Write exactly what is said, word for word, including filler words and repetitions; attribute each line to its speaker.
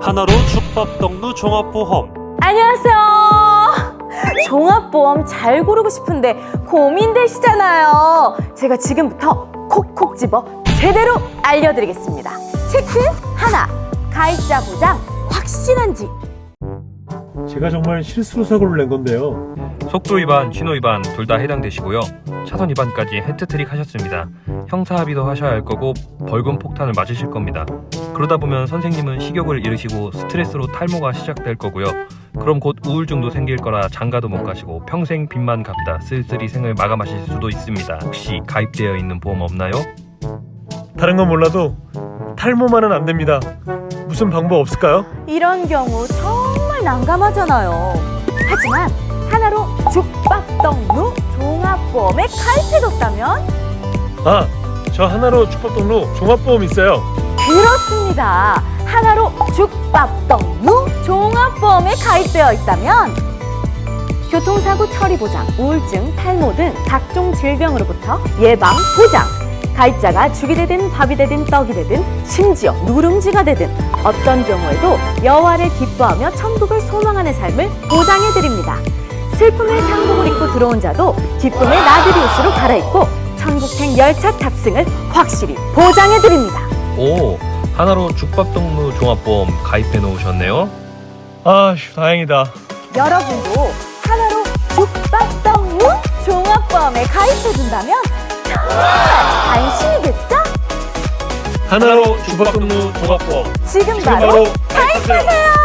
Speaker 1: 하나로 죽밥떡루 종합보험.
Speaker 2: 안녕하세요. 종합보험 잘 고르고 싶은데 고민되시잖아요. 제가 지금부터 콕콕 집어 제대로 알려드리겠습니다. 체크 하나, 가입자 보장 확실한지.
Speaker 3: 제가 정말 실수로 사고를 낸 건데요.
Speaker 4: 속도 위반, 신호 위반 둘 다 해당되시고요. 차선 위반까지 해트트릭 하셨습니다. 형사 합의도 하셔야 할 거고 벌금 폭탄을 맞으실 겁니다. 그러다 보면 선생님은 식욕을 잃으시고 스트레스로 탈모가 시작될 거고요. 그럼 곧 우울증도 생길 거라 장가도 못 가시고 평생 빚만 갚다 쓸쓸히 생을 마감하실 수도 있습니다. 혹시 가입되어 있는 보험 없나요?
Speaker 3: 다른 건 몰라도 탈모만은 안 됩니다. 무슨 방법 없을까요?
Speaker 2: 이런 경우 정말 난감하잖아요. 하지만 하나로 죽밥떡루 종합보험에 가입해뒀다면?
Speaker 3: 아, 저 하나로 죽밥떡루 종합보험 있어요.
Speaker 2: 그렇습니다. 하나로 죽밥떡루 종합보험에 가입되어 있다면 교통사고 처리 보장, 우울증, 탈모 등 각종 질병으로부터 예방 보장, 가입자가 죽이 되든 밥이 되든 떡이 되든 심지어 누룽지가 되든 어떤 경우에도 여와를 기뻐하며 천국을 소망하는 삶을 보장해드립니다. 슬픔의 상복을 입고 들어온 자도 기쁨의 나들이 옷으로 갈아입고 천국행 열차 탑승을 확실히 보장해드립니다.
Speaker 4: 오, 하나로 죽밥떡루 종합보험 가입해 놓으셨네요.
Speaker 3: 아, 다행이다.
Speaker 2: 여러분도 하나로 죽밥떡루 종합보험에 가입해둔다면 정말 안심이겠죠?
Speaker 3: 하나로 죽밥떡루 종합보험
Speaker 2: 지금
Speaker 3: 지금
Speaker 2: 바로
Speaker 3: 바로
Speaker 2: 가입하세요!